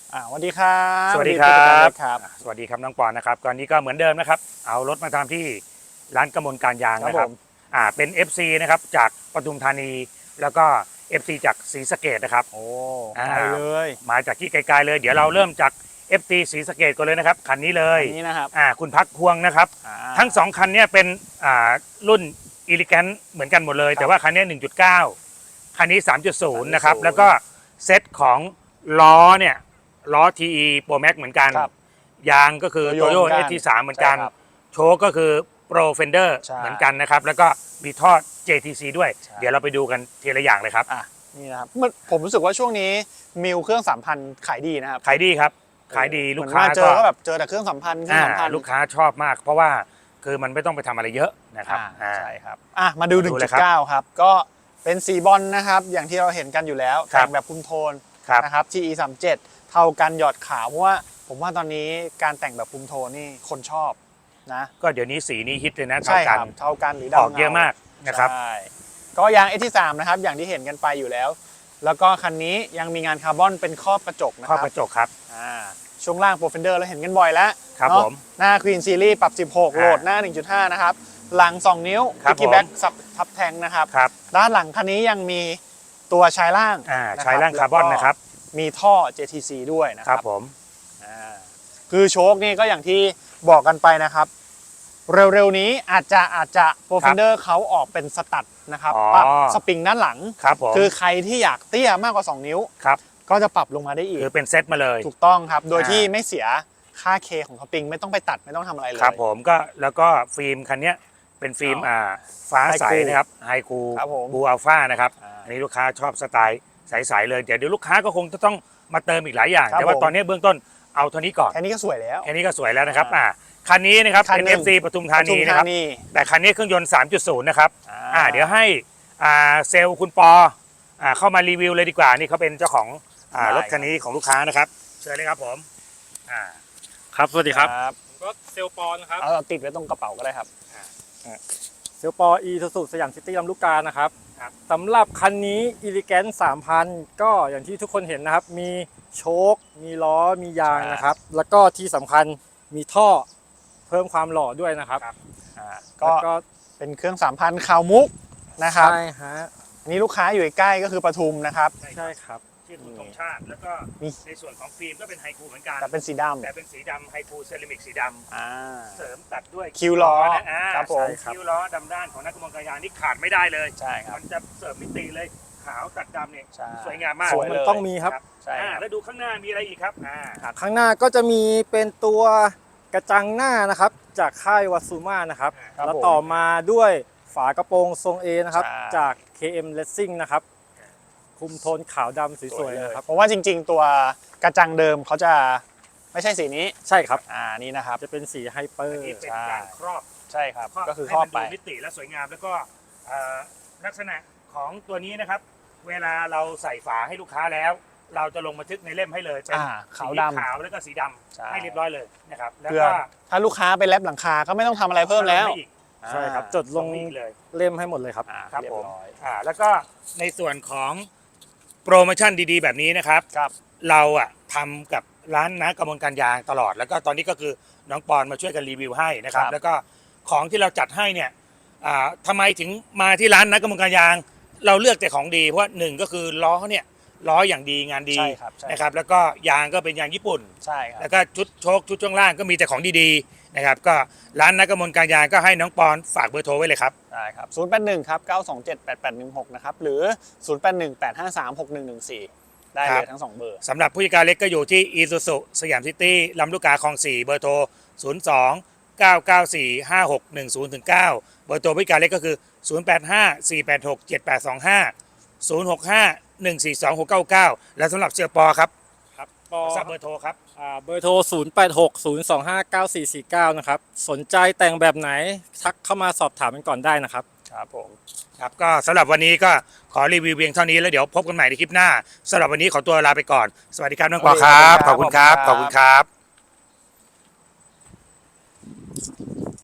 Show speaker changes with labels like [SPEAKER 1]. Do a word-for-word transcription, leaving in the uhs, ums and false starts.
[SPEAKER 1] อ่าสวัสดีครับ
[SPEAKER 2] สวัสดีครับ
[SPEAKER 1] ครับ
[SPEAKER 2] สวัสดีครับน้องปอนนะครับตอนนี้ก็เหมือนเดิมนะครับเอารถมาทำที่ร้านกมลการยางนะครับอ่าเป็น เอฟ ซี นะครับจากปทุมธานีแล้วก็ เอฟ ซี จากศรีสะเกษนะครับ
[SPEAKER 1] โอ้
[SPEAKER 2] อ่า
[SPEAKER 1] ไปเลย
[SPEAKER 2] มาจากที่ไกลๆเลยเดี๋ยวเราเริ่มจาก เอฟ ซี ศรีสะเกษก่อนเลยนะครับคันนี้เลย
[SPEAKER 1] อันนี้นะครับ
[SPEAKER 2] อ่าคุณพักพวงนะครับทั้งสองคันนี้เป็นอ่ารุ่นอีลิแกนเหมือนกันหมดเลยแต่ว่าคันนี้ หนึ่งจุดเก้า คันนี้ สามจุดศูนย์ นะครับแล้วก็เซตของล้อเนี่ยล้อ ที อี Pro Max เหมือนกันยางก็คือ
[SPEAKER 1] Toyo
[SPEAKER 2] Toyo
[SPEAKER 1] เหมือนกัน
[SPEAKER 2] เอส ที สาม เหมือนกัน
[SPEAKER 1] ใช่ครับ
[SPEAKER 2] โชคก็คือ Pro Fender
[SPEAKER 1] ใช่
[SPEAKER 2] เหมือนกันนะครับแล้วก็มีท่อ เจ ที ซี ด้วย
[SPEAKER 1] ใช่
[SPEAKER 2] เดี๋ยวเราไปดูกันทีละอย่างเลยครับ
[SPEAKER 1] อ่ะนี่นะครับมันผมรู้สึกว่าช่วงนี้มิวเครื่องสามพันขายดีนะครับ
[SPEAKER 2] ขายดีครับขายดีลูกค้า
[SPEAKER 1] เหมือนมเจอก็แบบเจอแต่เครื่องสามพันเครื่องสามพัน
[SPEAKER 2] ลูกค้าชอบมาก เพราะว่าคือมันไม่ต้องไปทำอะไรเยอะนะครับ
[SPEAKER 1] อ่าใช่ครับอ่ะมาดู
[SPEAKER 2] มา
[SPEAKER 1] หนึ่
[SPEAKER 2] ดู
[SPEAKER 1] ง
[SPEAKER 2] เล
[SPEAKER 1] จุ
[SPEAKER 2] ย
[SPEAKER 1] ด
[SPEAKER 2] ครับ
[SPEAKER 1] เก้า ครับก็เป็นสีบอลนะครับอย่างที่เราเห็นกันอยู่แล้ว
[SPEAKER 2] ครับ
[SPEAKER 1] แต่งแบบคุมโทน
[SPEAKER 2] ครับ
[SPEAKER 1] นะครับ ที อี สามสิบเจ็ดเท่ากันหยอดขาวเพราะว่าผมว่าตอนนี้การแต่งแบบคุมโทนนี่คนชอบนะ
[SPEAKER 2] ก็เดี๋ยวนี้สีนี้ฮิตเลยนะเท่า
[SPEAKER 1] ใช่ค
[SPEAKER 2] กั
[SPEAKER 1] รั
[SPEAKER 2] น
[SPEAKER 1] บเท่ากันหรือ
[SPEAKER 2] อ
[SPEAKER 1] ดำ
[SPEAKER 2] อกเยอะมากนะครับ
[SPEAKER 1] ใช่ก็ยาง เอส ที สาม นะครับอย่างที่เห็นกันไปอยู่แล้ว แล้วก็คันนี้ยังมีงานคาร์บอนเป็นครอบกระจกนะค
[SPEAKER 2] ข้อ
[SPEAKER 1] รับ
[SPEAKER 2] กระจกครับ
[SPEAKER 1] อ่าช่วงล่างโปรเฟนเดอร์เราเห็นกันบ่อยแล้ว
[SPEAKER 2] ครับ
[SPEAKER 1] เนาะ
[SPEAKER 2] ผม
[SPEAKER 1] หน้า Queen Series ปรับสิบหก
[SPEAKER 2] อ่า
[SPEAKER 1] โหลดหน้า หนึ่งจุดห้า นะครับหลัง สอง นิ้ว
[SPEAKER 2] ครับ
[SPEAKER 1] Piggy
[SPEAKER 2] ผม
[SPEAKER 1] Back ซับทับแทงนะครับ
[SPEAKER 2] ครับ
[SPEAKER 1] ด้านหลังคันนี้ยังมีตัวชายล่าง
[SPEAKER 2] อ่า
[SPEAKER 1] นะ
[SPEAKER 2] ใช้ร่างคาร์บอนนะครับ
[SPEAKER 1] มีท่อ เจ ที ซี ด้วยนะ
[SPEAKER 2] ค
[SPEAKER 1] ค
[SPEAKER 2] รั
[SPEAKER 1] รั
[SPEAKER 2] บบ ผม
[SPEAKER 1] อ่าคือโชคนี่ก็อย่างที่บอกกันไปนะครับ เร็วๆนี้อาจจะอาจจะโปรเฟนเดอร์เขาออกเป็นสตัดนะครับ
[SPEAKER 2] อ๋อ
[SPEAKER 1] ปรับสปริงด้านหลัง
[SPEAKER 2] ครับผม
[SPEAKER 1] คือใครที่อยากเตี้ยมากกว่า สอง นิ้ว
[SPEAKER 2] ครับ
[SPEAKER 1] ก็จะปรับลงมาได้อีก
[SPEAKER 2] คือเป็นเซตมาเลย
[SPEAKER 1] ถูกต้องครับ โดย
[SPEAKER 2] อ่า
[SPEAKER 1] ที่ไม่เสียค่าเคของสปริงไม่ต้องไปตัดไม่ต้องทำอะไรเลย
[SPEAKER 2] ครับผมก็แล้วก็ฟิล์มคันเนี้ยเป็นฟิล์ม
[SPEAKER 1] อ๋ออ่
[SPEAKER 2] อ่าฟ้าใส
[SPEAKER 1] Hi-Cool
[SPEAKER 2] นะครับไฮคู
[SPEAKER 1] ครับผม
[SPEAKER 2] บูอัลฟานะครับ
[SPEAKER 1] อ่า
[SPEAKER 2] อันนี้ลูกค้าชอบสไตล์ใสๆเลยเดี๋ยวเดี๋ยวลูกค้าก็คงจะต้องมาเติมอีกหลายอย่าง
[SPEAKER 1] ครับ
[SPEAKER 2] แต่ว่า
[SPEAKER 1] ผม
[SPEAKER 2] ตอนนี้เบื้องต้นเอาเท่านี้ก่อน
[SPEAKER 1] แค่นี้ก็สวยแล้ว
[SPEAKER 2] แค่นี้ก็สวยแล้วนะครับ
[SPEAKER 1] อ่า
[SPEAKER 2] อ่าคันนี้นะครับ
[SPEAKER 1] คัน
[SPEAKER 2] เป็น
[SPEAKER 1] หนึ่
[SPEAKER 2] เอง ฟ ซี ปทุมธานี
[SPEAKER 1] ปทุม
[SPEAKER 2] นะครับ
[SPEAKER 1] ธานี
[SPEAKER 2] แต่คันนี้เครื่องยนต์ สามจุดศูนย์ นะครับ
[SPEAKER 1] อ่า
[SPEAKER 2] อ่าเดี๋ยวให้อ่าเซลล์คุณปออ่าเข้ามารีวิวเลยดีกว่านี่เขาเป็นเจ้าของอ่ารถคันนี้ของลูกค้านะครับเชิญเลยครับผมอ่า
[SPEAKER 3] ครับ สวัสดีครับ
[SPEAKER 1] ครับ
[SPEAKER 3] ผมก็เซลล์ปอนนะครับ
[SPEAKER 1] เอาติดไว้ตรงกระเป๋าก็ได้ครับ
[SPEAKER 3] เซลล์ปออีสุสุสยามซิตี้ลำลูกกานะครับ
[SPEAKER 2] ครับ
[SPEAKER 3] สำหรับคันนี้อีลิแกนสามพันก็อย่างที่ทุกคนเห็นนะครับ มีโชค มีล้อ มียางนะครับ แล้วก็ที่สำคัญมีท่อเพิ่มความหล่อด้วยนะครับ
[SPEAKER 1] อ่า
[SPEAKER 3] ก็
[SPEAKER 1] ก็
[SPEAKER 3] ก็
[SPEAKER 1] เป็นเครื่องสามพันคาวมุกนะครับ
[SPEAKER 3] ใช่ฮะ
[SPEAKER 1] นี่ลูกค้าอยู่ใกล้ก็คือปทุมนะครับ
[SPEAKER 3] ใช่ครับ
[SPEAKER 2] ชื่อคุณธงชาติแล้วก็
[SPEAKER 1] มี
[SPEAKER 2] ในส่วนของฟิล์มก็เป็นไฮคูเหมือนกัน
[SPEAKER 1] แต่เป็นสีดำ
[SPEAKER 2] แต่เป็นสีดำไฮคูเซรามิกสีดำ
[SPEAKER 1] อ่า
[SPEAKER 2] เสริมตัดด้วย
[SPEAKER 1] คิวล้อ
[SPEAKER 2] นะอ่า
[SPEAKER 1] ครับผม
[SPEAKER 2] ใช่คิวล้อดำด้านของนักกมลการยางนี่ขาดไม่ได้เลย
[SPEAKER 1] ใช่ครับ
[SPEAKER 2] มันจะเสริมมิติเลยขาวตัดดำเนี่ย
[SPEAKER 1] ใช่
[SPEAKER 2] สวยงามมาก
[SPEAKER 1] สวย
[SPEAKER 3] มันต้องมีครับ
[SPEAKER 1] ใช่
[SPEAKER 2] อ่า
[SPEAKER 1] ครับ
[SPEAKER 2] แล้วดูข้างหน้ามีอะไรอีกครับอ่า
[SPEAKER 3] ข้างหน้าก็จะมีเป็นตัวกระจังหน้านะครับ จากค่ายวาซูมานะครับ
[SPEAKER 1] ครับ
[SPEAKER 3] แล้ว
[SPEAKER 1] ผม
[SPEAKER 3] ต่อมาด้วยฝากระโปรงทรง A นะครับ
[SPEAKER 1] ใช่
[SPEAKER 3] จาก เค เอ็ม Racing นะครับ คุมโทนขาวดำสวยๆนะครับ
[SPEAKER 1] เพราะว่าจริงๆ ตัวกระจังเดิมเขาจะไม่ใช่สีนี้
[SPEAKER 3] ใช่ครับ
[SPEAKER 1] อ่านี่นะครับ
[SPEAKER 3] จะเป็นสีไฮเปอร์
[SPEAKER 2] นี่เป็น
[SPEAKER 1] ใช่
[SPEAKER 2] การครอบ
[SPEAKER 1] ใช่ครับ
[SPEAKER 2] ครอบ
[SPEAKER 1] ก็คือ
[SPEAKER 2] ให้
[SPEAKER 1] ครอบ
[SPEAKER 2] มัน
[SPEAKER 1] ไป
[SPEAKER 2] ดูมิติและสวยงามแล้วก็เอ่อลักษณะของตัวนี้นะครับ เวลาเราใส่ฝาให้ลูกค้าแล้ว เราจะลงบันทึกในเล่มให้เลยเป็น
[SPEAKER 1] อ่าขาว
[SPEAKER 2] สี
[SPEAKER 1] ดำ
[SPEAKER 2] ขาวแล้วก็สีด
[SPEAKER 1] ใช่
[SPEAKER 2] ำให้เรียบร้อยเลยนะครับแล้ว
[SPEAKER 1] เพื่อ
[SPEAKER 2] ก็
[SPEAKER 1] ถ้าลูกค้าไปแลบหลังคาก็ไม่ต้องทำอะไรเพิ่มแล้ว
[SPEAKER 2] ให้อีก
[SPEAKER 3] ใช่ครับ จดลง
[SPEAKER 2] ส่ให้อีกเลย
[SPEAKER 3] เล่มให้หมดเลยครับ
[SPEAKER 1] อ่า
[SPEAKER 2] ครับ
[SPEAKER 1] เรีย
[SPEAKER 2] ผ
[SPEAKER 1] บ
[SPEAKER 2] ม
[SPEAKER 1] ร้อย
[SPEAKER 2] อ่าแล้วก็ในส่วนของโปรโมชั่นดีๆ แบบนี้นะครับ
[SPEAKER 1] ครับ
[SPEAKER 2] เราอะทำกับร้านนะกมลการยางตลอด แล้วก็ตอนนี้ก็คือน้องปอนมาช่วยกันรีวิวให้นะครับ
[SPEAKER 1] ครับ
[SPEAKER 2] แล้วก็ของที่เราจัดให้เนี่ยอ่าทำไมถึงมาที่ร้านนะกมลการยาง เราเลือกแต่ของดีเพราะว่าหนึ่งก็คือล้อเนี่ยล้ออย่างดีงานดี
[SPEAKER 1] ใช่ครับใช่
[SPEAKER 2] นะครับแล้วก็ยางก็เป็นยางญี่ปุ่น
[SPEAKER 1] ใช่ครับ
[SPEAKER 2] แล้วก็ชุดโชคชุดช่วงล่างก็มีแต่ของดีๆนะครับก็ร้านนักกมลการยางก็ให้น้องปอนฝากเบอร์โทรไว้เลยครับ
[SPEAKER 1] ได้ครับศูนย์แปดหนึ่งครับเก้าสองเจ็ดแปดแปดหนึ่งหกนะครับหรือศูนย์แปดหนึ่งแปดห้าสามหกหนึ่งหนึ่งสี่ได้
[SPEAKER 2] ครั
[SPEAKER 1] เล
[SPEAKER 2] บ
[SPEAKER 1] ยทั้งสองเบอร์
[SPEAKER 2] สำหรับผู้จัดการเล็กก็อยู่ที่อีซูซุสยามซิตี้ลำลูกกาคลองสี่เบอร์โทร ศูนย์ สอง เก้า เก้า สี่ ห้า หก หนึ่ง ศูนย์ เก้า เบอร์โทรผู้จัดการเล็กก็คือ ศูนย์ แปด ห้า สี่ แปด หก เจ็ด แปด สอง ห้า ศูนย์ หก ห้า หนึ่ง สี่ สอง หก เก้า เก้า และสำหรับเสียปอครับ
[SPEAKER 3] ครับปอ
[SPEAKER 2] ทราบเบอร์โทรครับ
[SPEAKER 3] อ่าเบอร์โทร ศูนย์ แปด หก ศูนย์ สอง ห้า เก้า สี่ สี่ เก้า นะครับ สนใจแต่งแบบไหนทักเข้ามาสอบถามกันก่อนได้นะครับ
[SPEAKER 1] ครับผม
[SPEAKER 2] ครับก็สำหรับวันนี้ก็ขอรีวิวเพียงเท่านี้แล้วเดี๋ยวพบกันใหม่ในคลิปหน้าสำหรับวันนี้ขอตัวลาไปก่อนสวัสดีครับน้องปอครับขอบคุณครับขอบคุณครับ